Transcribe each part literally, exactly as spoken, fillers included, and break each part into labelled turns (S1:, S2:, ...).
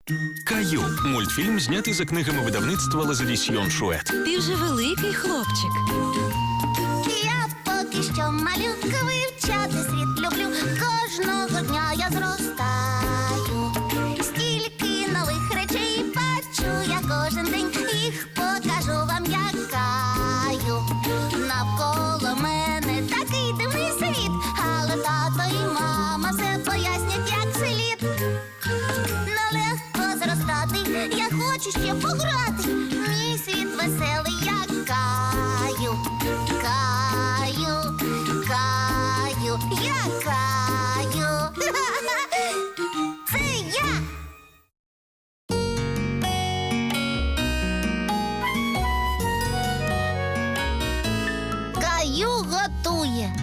S1: Каю – мультфільм, знятий за книгами видавництва Лазадісьйон Шует.
S2: Ти вже великий хлопчик.
S3: Я поки що малюка, вивчати світ люблю. Кожного дня я зростаю. Стільки нових речей бачу я кожен день. Їх покажу вам, як Каю. Навколо мене такий дивний світ, але тато і мама все пояснять, як слід. Нелегко зростати, я хочу ще пограти. Мій світ веселий, як Каю. Каю, Каю, я Каю. Це я. Каю готує.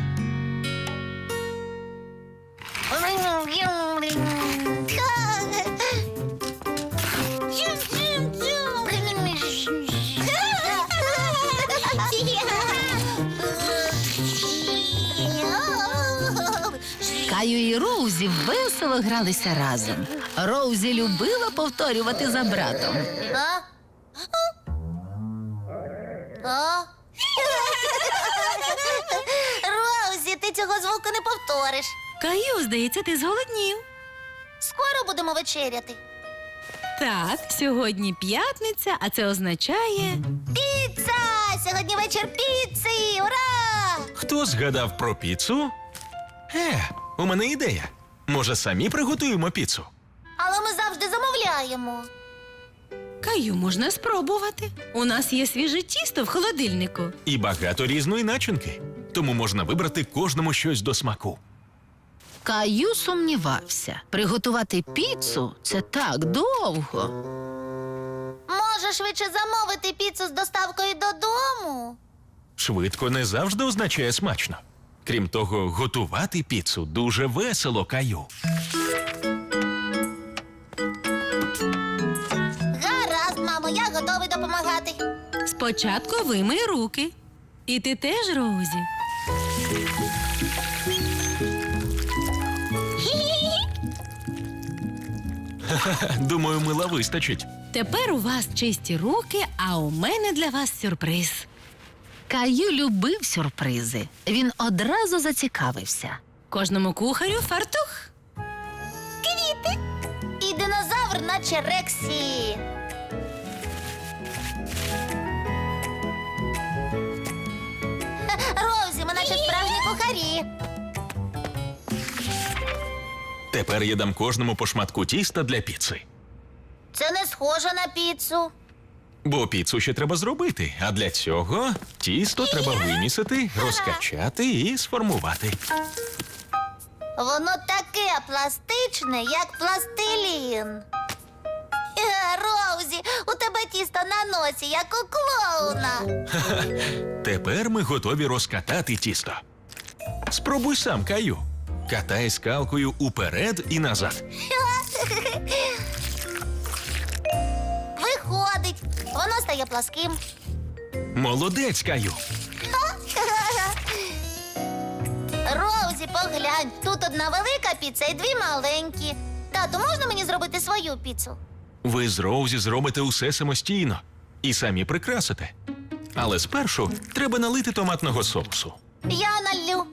S2: Каю і Роузі весело гралися разом. Роузі любила повторювати за братом.
S3: А? А? Роузі, ти цього звуку не повториш.
S2: Каю, здається, ти зголоднів.
S3: Скоро будемо вечеряти.
S2: Так, сьогодні п'ятниця, а це означає...
S3: Піца! Сьогодні вечір піци! Ура!
S1: Хто згадав про піцу? Е, у мене ідея. Може, самі приготуємо піцу?
S3: Але ми завжди замовляємо.
S2: Каю, можна спробувати. У нас є свіже тісто в холодильнику.
S1: І багато різної начинки. Тому можна вибрати кожному щось до смаку.
S2: Каю сумнівався. Приготувати піцу – це так довго.
S3: Може, швидше замовити піцу з доставкою додому?
S1: Швидко не завжди означає смачно. Крім того, готувати піцу дуже весело, Каю.
S3: Гаразд, мамо, я готовий допомагати.
S2: Спочатку вимий руки. І ти теж, Роузі.
S1: Думаю, мила вистачить.
S2: Тепер у вас чисті руки, а у мене для вас сюрприз. Каю любив сюрпризи. Він одразу зацікавився. Кожному кухарю фартух.
S3: Квіти. І динозавр, наче Рексі. Роузі, ми наче справжні кухарі.
S1: Тепер я дам кожному по шматку тіста для піци.
S3: Це не схоже на піцу.
S1: Бо піцу ще треба зробити, а для цього тісто треба вимісити, розкачати і сформувати.
S3: Воно таке пластичне, як пластилін. Е, Роузі, у тебе тісто на носі, як у клоуна.
S1: Тепер ми готові розкатати тісто. Спробуй сам, Каю. Катай скалкою уперед і назад.
S3: Виходить, воно стає пласким.
S1: Молодець, Каю.
S3: Роузі, поглянь, тут одна велика піца і дві маленькі. Тату, можна мені зробити свою піцу?
S1: Ви з Роузі зробите усе самостійно і самі прикрасите. Але спершу треба налити томатного соусу.
S3: Я налью.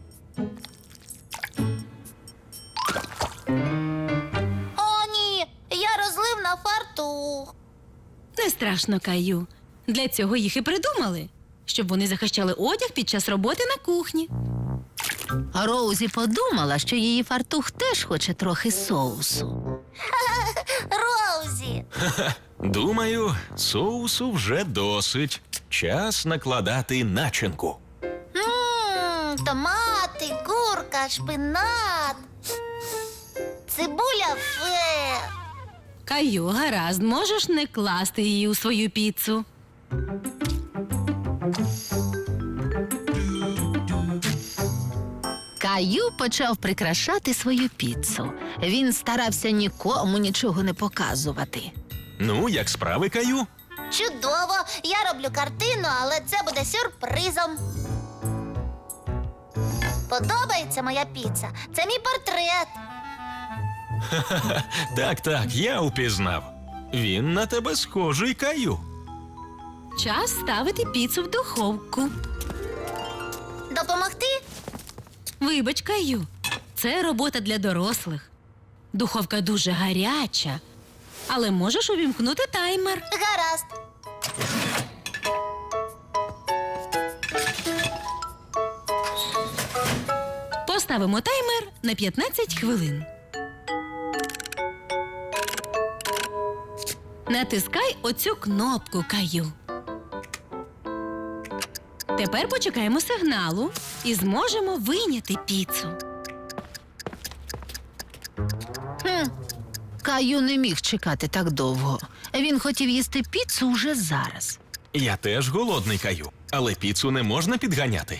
S3: О, ні, я розлив на фартух.
S2: Не страшно, Каю. Для цього їх і придумали. Щоб вони захищали одяг під час роботи на кухні. Роузі подумала, що її фартух теж хоче трохи соусу.
S3: Роузі.
S1: Думаю, соусу вже досить. Час накладати начинку.
S3: Ммм, томати, курка, шпинат. Цибуля фе.
S2: Каю, гаразд, можеш не класти її у свою піцу. Каю почав прикрашати свою піцу. Він старався нікому нічого не показувати.
S1: Ну, як справи, Каю?
S3: Чудово! Я роблю картину, але це буде сюрпризом. Подобається моя піца? Це мій портрет.
S1: Так, так, я упізнав. Він на тебе схожий, Каю.
S2: Час ставити піцу в духовку.
S3: Допомогти?
S2: Вибач, Каю, це робота для дорослих. Духовка дуже гаряча, але можеш увімкнути таймер.
S3: Гаразд.
S2: Поставимо таймер на п'ятнадцять хвилин. Натискай оцю кнопку, Каю. Тепер почекаємо сигналу і зможемо вийняти піцу.
S4: Хм. Каю не міг чекати так довго. Він хотів їсти піцу уже зараз.
S1: Я теж голодний, Каю, але піцу не можна підганяти.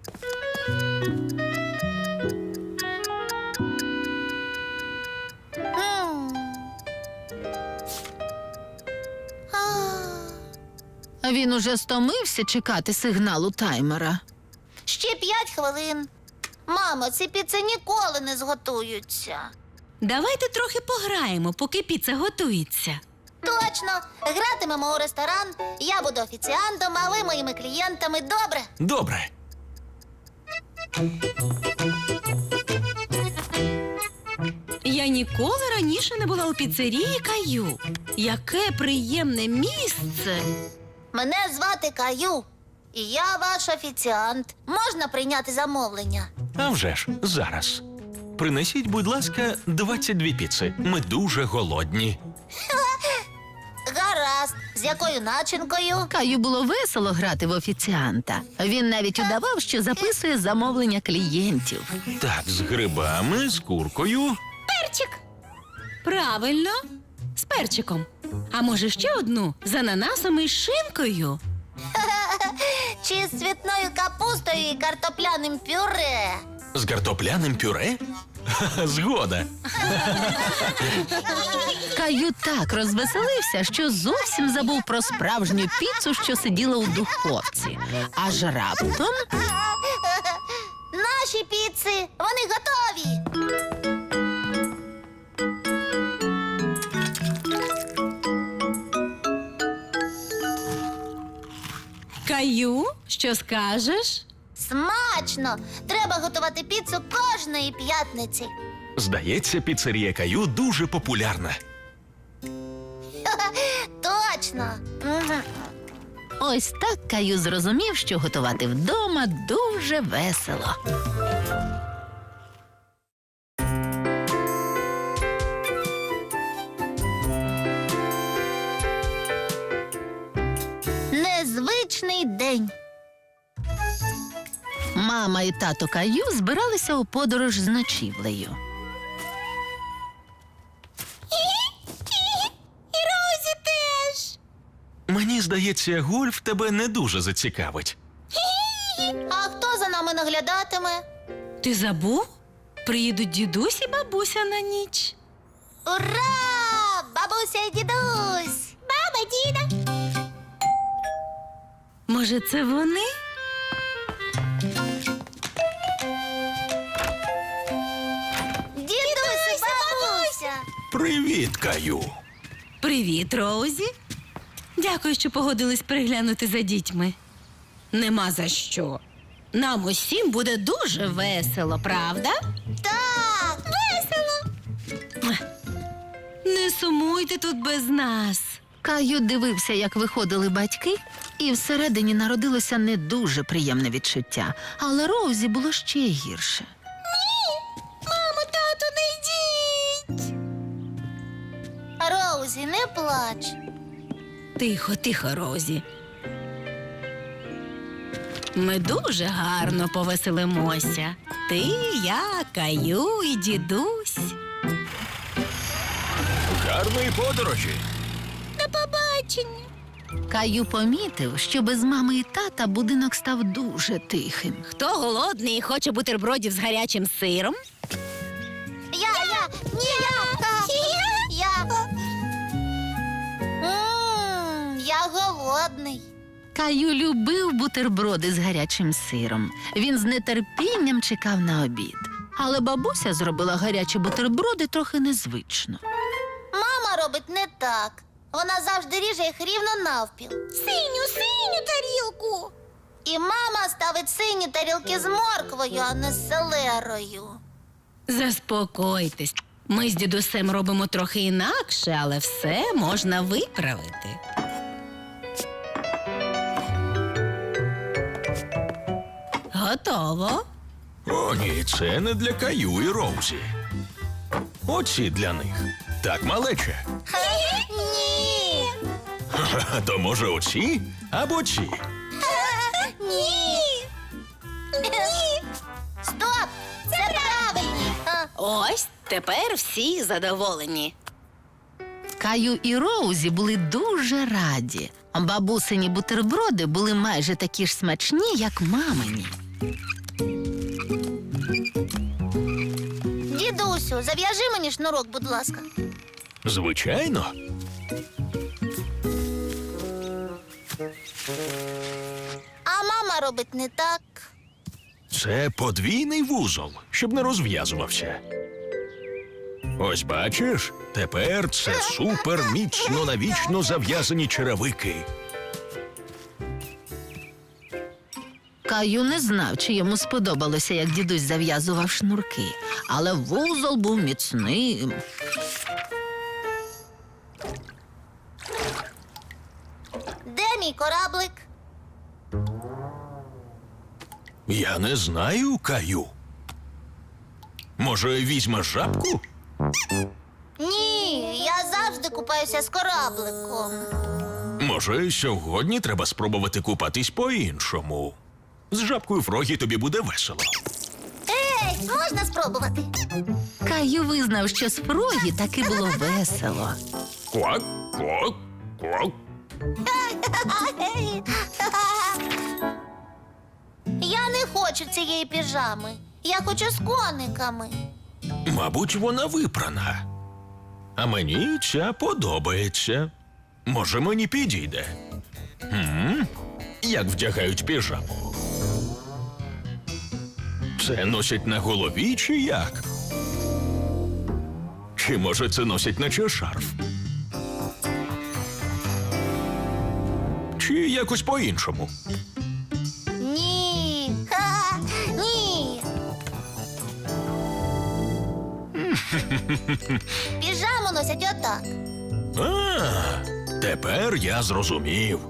S3: М. А,
S4: Він уже стомився чекати сигналу таймера.
S3: Ще п'ять хвилин. Мамо, ці піци ніколи не зготуються.
S2: Давайте трохи пограємо, поки піца готується.
S3: Точно. Гратимемо у ресторан. Я буду офіціантом, а ви моїми клієнтами. Добре?
S1: Добре.
S2: Я ніколи раніше не була у піцерії, Каю. Яке приємне місце!
S3: Мене звати Каю. І я ваш офіціант. Можна прийняти замовлення?
S1: А вже ж, зараз. Принесіть, будь ласка, двадцять дві піци. Ми дуже голодні.
S3: Гаразд. З якою начинкою?
S4: Каю було весело грати в офіціанта. Він навіть удавав, що записує замовлення клієнтів.
S1: Так, з грибами, з куркою.
S2: Перчик! Правильно, з перчиком. А може ще одну з ананасом і шинкою?
S3: Чи з цвітною капустою і картопляним пюре?
S1: З картопляним пюре? Ха-ха, згода.
S4: Каю так розвеселився, що зовсім забув про справжню піцу, що сиділа у духовці. Аж раптом
S3: Наші піци, вони готові.
S2: Каю, що скажеш?
S3: Смачно! Треба готувати піцу кожної п'ятниці.
S1: Здається, піцерія Каю дуже популярна.
S3: Точно. Мгм.
S4: ось так Каю зрозумів, що готувати вдома дуже весело.
S3: Незвичний день.
S4: Мама і тато Каю збиралися у подорож з ночівлею.
S3: І Розі теж.
S1: Мені здається, гольф тебе не дуже зацікавить.
S3: А хто за нами наглядатиме?
S2: Ти забув? Приїдуть дідусь і бабуся на ніч.
S3: Ура! Бабуся і дідусь! Баба, діда!
S2: Може, це вони?
S3: Дідусь і бабуся!
S1: Привіт, Каю.
S2: Привіт, Роузі. Дякую, що погодились приглянути за дітьми. Нема за що. Нам усім буде дуже весело, правда?
S3: Так! Весело!
S2: Не сумуйте тут без нас.
S4: Каю дивився, як виходили батьки, і всередині народилося не дуже приємне відчуття. Але Роузі було ще гірше.
S3: Мамо, тату, не йдіть! Роузі, не плач.
S2: Тихо, тихо, Розі. Ми дуже гарно повеселимося. Ти, я, Каю і дідусь.
S1: Гарної подорожі.
S3: До побачення.
S4: Каю помітив, що без мами і тата будинок став дуже тихим.
S2: Хто голодний і хоче бутербродів з гарячим сиром?
S3: Я, я, ні, я, я. Мм, я голодний.
S4: Каю любив бутерброди з гарячим сиром. Він з нетерпінням чекав на обід. Але бабуся зробила гарячі бутерброди трохи незвично.
S3: Мама робить не так. Вона завжди ріже їх рівно навпіл. Синю, синю тарілку. І мама ставить сині тарілки з морквою, а не з селерою.
S2: Заспокойтесь. Ми з дідусем робимо трохи інакше, але все можна виправити. Готово.
S1: О, ні, це не для Каю і Роузі. Оці для них. Так, малече.
S3: Ні.
S1: Ха-ха, то може оці або ці?
S3: Ні. Ні. Стоп! Це правильні. А,
S2: Ось тепер всі задоволені.
S4: Каю і Роузі були дуже раді. Бабусині бутерброди були майже такі ж смачні, як мамині.
S3: Дідусю, зав'яжи мені шнурок, будь ласка.
S1: Звичайно.
S3: А мама робить не так.
S1: Це подвійний вузол, щоб не розв'язувався. Ось бачиш, тепер це супер міцно навічно зав'язані черевики.
S4: Каю не знав, чи йому сподобалося, як дідусь зав'язував шнурки. Але вузол був міцним.
S3: Де мій кораблик?
S1: Я не знаю, Каю. Може, візьмеш жабку?
S3: Ні, я завжди купаюся з корабликом.
S1: Може, сьогодні треба спробувати купатись по-іншому. З жабкою Фрогі тобі буде весело.
S3: Ей, можна спробувати?
S4: Каю визнав, що з Фрогі таки було весело.
S1: Квак, квак, квак.
S3: Я не хочу цієї піжами. Я хочу з кониками.
S1: Мабуть, вона випрана. А мені ця подобається. Може, мені підійде. М? Як вдягають піжаму? Це носять на голові чи як? Чи може це носять наче шарф? Чи якось по-іншому?
S3: Ні. Ха, ні. Піжаму носять отак.
S1: А, тепер я зрозумів.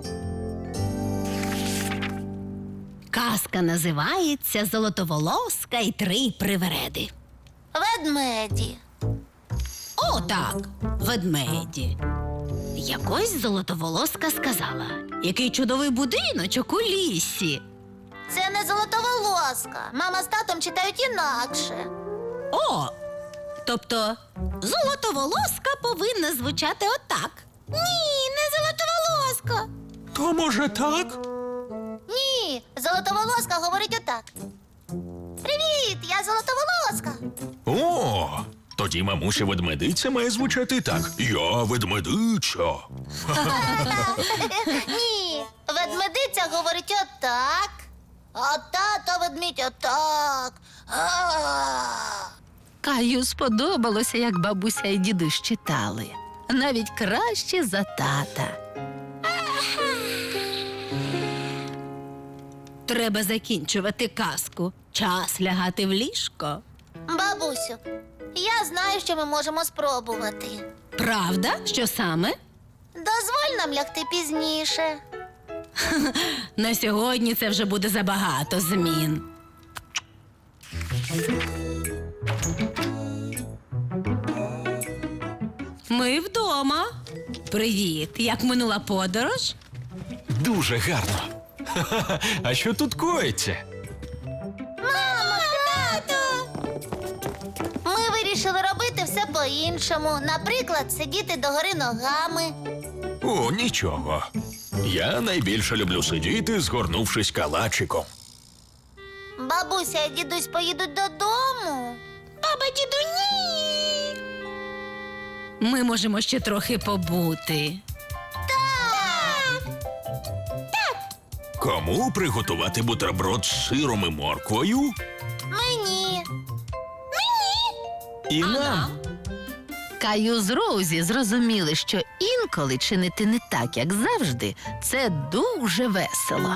S2: Казка називається «Золотоволоска і три привереди».
S3: Ведмеді.
S2: О, так, ведмеді. Якось золотоволоска сказала, який чудовий будиночок у лісі.
S3: Це не золотоволоска. Мама з татом читають інакше.
S2: О, тобто золотоволоска повинна звучати отак. Ні, не золотоволоска.
S1: То може так?
S3: Ні, золотоволоска говорить отак. Привіт, я золотоволоска.
S1: О, тоді мамуся ведмедиця має звучати так. Я ведмедиця.
S3: Ні, ведмедиця говорить отак. А тато ведмідь отак. А.
S4: Каю сподобалося, як бабуся і дідусь читали. Навіть краще за тата.
S2: Треба закінчувати казку. Час лягати в ліжко.
S3: Бабусю, я знаю, що ми можемо спробувати.
S2: Правда? Що саме?
S3: Дозволь нам лягти пізніше.
S2: На сьогодні це вже буде забагато змін. Ми вдома. Привіт, як минула подорож?
S1: Дуже гарно. Ха-ха-ха. А що тут коїться?
S3: Мамо, тато! Ми вирішили робити все по-іншому. Наприклад, сидіти догори ногами.
S1: О, нічого. Я найбільше люблю сидіти, згорнувшись калачиком.
S3: Бабуся і дідусь поїдуть додому. Баба, діду, ні!
S2: Ми можемо ще трохи побути.
S3: Так!
S1: Кому приготувати бутерброд з сиром і морквою?
S3: Мені.
S1: І
S2: А
S1: нам.
S2: нам?
S4: Каю з Роузі зрозуміли, що інколи чинити не так, як завжди, це дуже весело.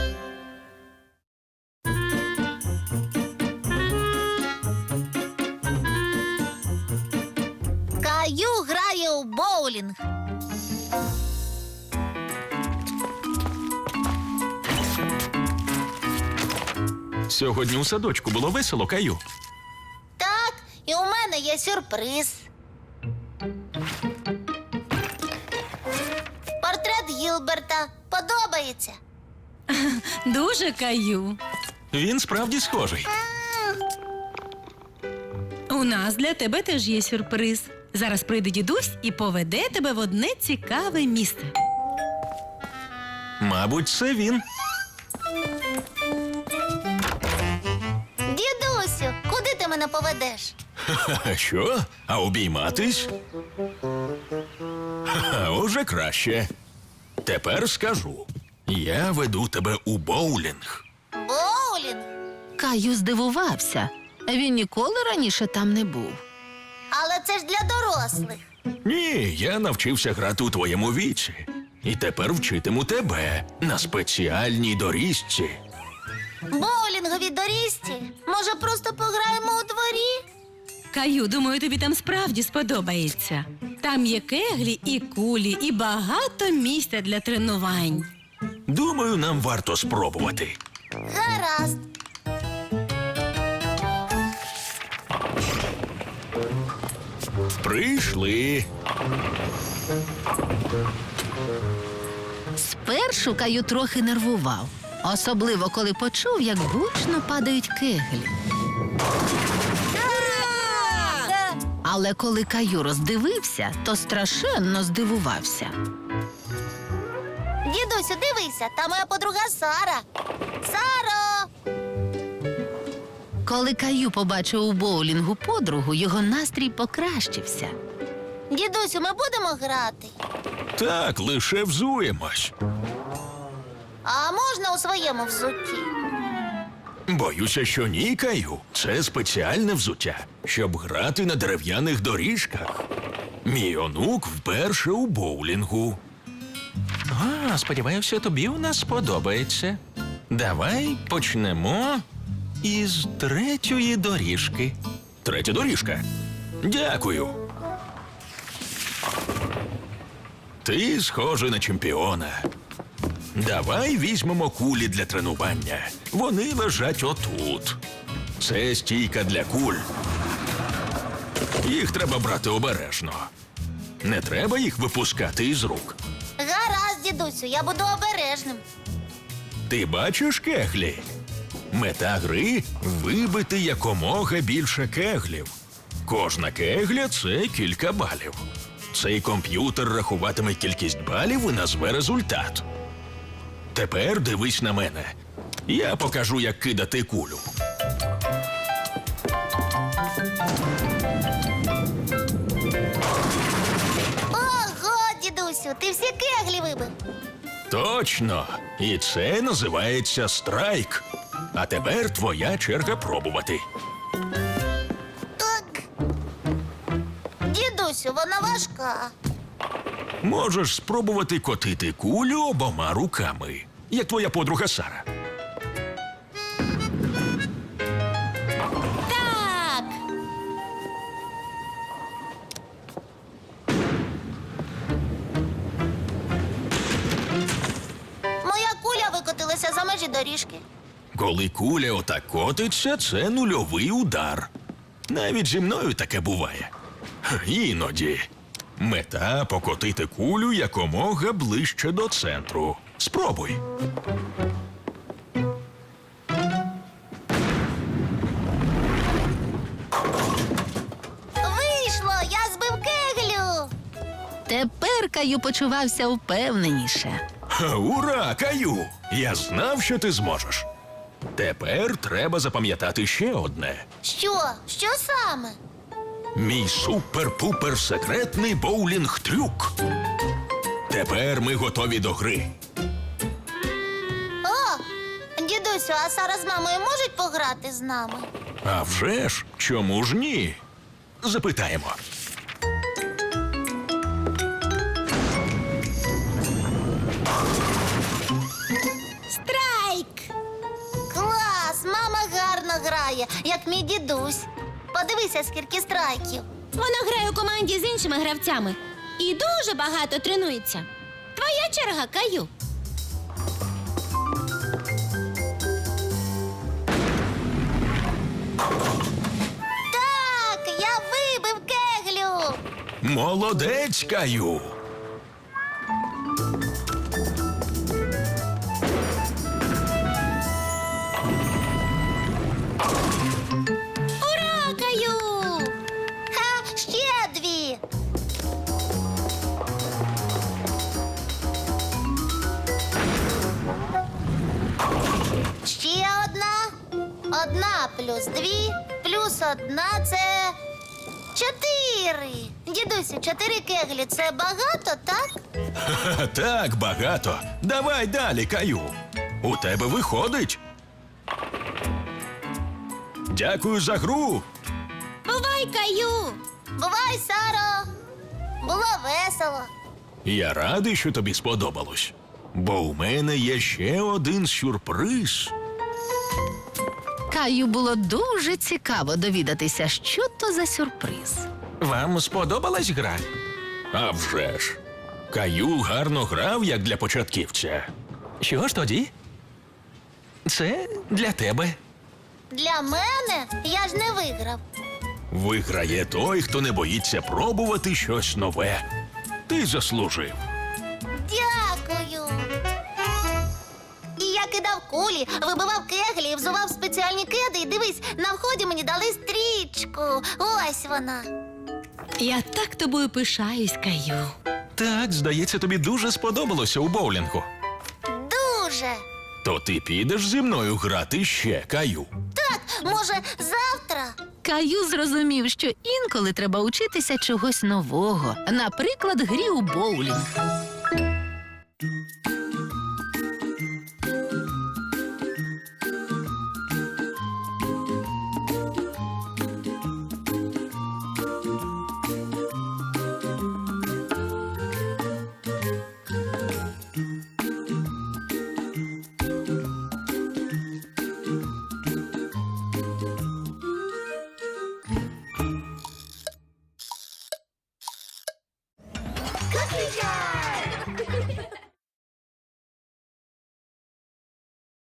S3: Каю грає у боулінг.
S1: Сьогодні у садочку було весело, Каю.
S3: Так, і у мене є сюрприз. Портрет Гілберта подобається.
S2: Дуже Каю.
S1: Він справді схожий.
S2: У нас для тебе теж є сюрприз. Зараз прийде дідусь і поведе тебе в одне цікаве місце.
S1: Мабуть, це він.
S3: Дідусю, куди ти мене поведеш?
S1: Ха, що? А обійматись? Ха, уже краще. Тепер скажу. Я веду тебе у боулінг.
S3: Боулінг?
S4: Каю здивувався. Він ніколи раніше там не був.
S3: Але це ж для дорослих.
S1: Ні, я навчився грати у твоєму віці. І тепер вчитиму тебе на спеціальній доріжці.
S3: Боулінгові доріжці? Може, просто пограємо у дворі?
S2: Каю, думаю, тобі там справді сподобається. Там є кеглі і кулі, і багато місця для тренувань.
S1: Думаю, нам варто спробувати.
S3: Гаразд.
S1: Прийшли.
S4: Спершу Каю трохи нервував, особливо коли почув, як гучно падають кеглі. Але коли Каю роздивився, то страшенно здивувався.
S3: Дідусю, дивися, там моя подруга Сара. Саро!
S4: Коли Каю побачив у боулінгу подругу, його настрій покращився.
S3: Дідусю, ми будемо грати?
S1: Так, лише взуємось.
S3: А можна у своєму взутті?
S1: Боюся, що ні, Каю. Це спеціальне взуття, щоб грати на дерев'яних доріжках. Мій онук вперше у боулінгу. А, сподіваюся, тобі у нас сподобається. Давай почнемо із третьої доріжки. Третя доріжка. Дякую. Ти схожий на чемпіона. Давай візьмемо кулі для тренування. Вони лежать отут. Це стійка для куль. Їх треба брати обережно. Не треба їх випускати із рук.
S3: Гаразд, дідусю, я буду обережним.
S1: Ти бачиш кеглі? Мета гри – вибити якомога більше кеглів. Кожна кегля – це кілька балів. Цей комп'ютер рахуватиме кількість балів і назве результат. Тепер дивись на мене. Я покажу, як кидати кулю.
S3: Ого, дідусю, ти всі кеглі вибив.
S1: Точно! І це називається страйк. А тепер твоя черга пробувати.
S3: Так. Дідусю, вона важка.
S1: Можеш спробувати котити кулю обома руками, як твоя подруга Сара.
S3: Так. Моя куля викотилася за межі доріжки.
S1: Коли куля отак котиться, це нульовий удар. Навіть зі мною таке буває. Іноді. Мета – покотити кулю якомога ближче до центру. Спробуй.
S3: Вийшло, я збив кеглю.
S4: Тепер Каю почувався впевненіше.
S1: Ха, ура, Каю! Я знав, що ти зможеш. Тепер треба запам'ятати ще одне.
S3: Що? Що саме?
S1: Мій супер-пупер секретний боулінг-трюк. Тепер ми готові до гри.
S3: О, дідусю, а Сара з мамою можуть пограти з нами?
S1: А вже ж, чому ж ні? Запитаємо.
S3: Страйк! Клас! Мама гарно грає, як мій дідусь. Подивися, скільки страйків.
S2: Вона грає у команді з іншими гравцями і дуже багато тренується. Твоя черга, Каю.
S3: Так, я вибив кеглю.
S1: Молодець, Каю.
S2: Ура, Каю!
S3: Ха, ще дві. Ще одна. Одна плюс дві, плюс одна це чотири. Дідусю, чотири кеглі це багато, так?
S1: Ха, так, багато. Давай далі, Каю. У тебе виходить. Дякую за гру.
S2: Бувай, Каю!
S3: Бувай, Саро. Було весело.
S1: Я радий, що тобі сподобалось. Бо у мене є ще один сюрприз.
S4: Каю було дуже цікаво довідатися, що то за сюрприз.
S1: Вам сподобалась гра? А вже ж. Каю гарно грав, як для початківця. Що ж тоді? Це для тебе.
S3: Для мене я ж не виграв.
S1: Виграє той, хто не боїться пробувати щось нове. Ти заслужив.
S3: Дякую. І я кидав кулі, вибивав кеглі, взував спеціальні кеди. І дивись, на вході мені дали стрічку. Ось вона.
S2: Я так тобою пишаюсь, Каю.
S1: Так, здається, тобі дуже сподобалося у боулінгу.
S3: Дуже.
S1: То ти підеш зі мною грати ще, Каю.
S3: Так, може, завтра?
S4: Каю зрозумів, що інколи треба учитися чогось нового, наприклад, грі у боулінг.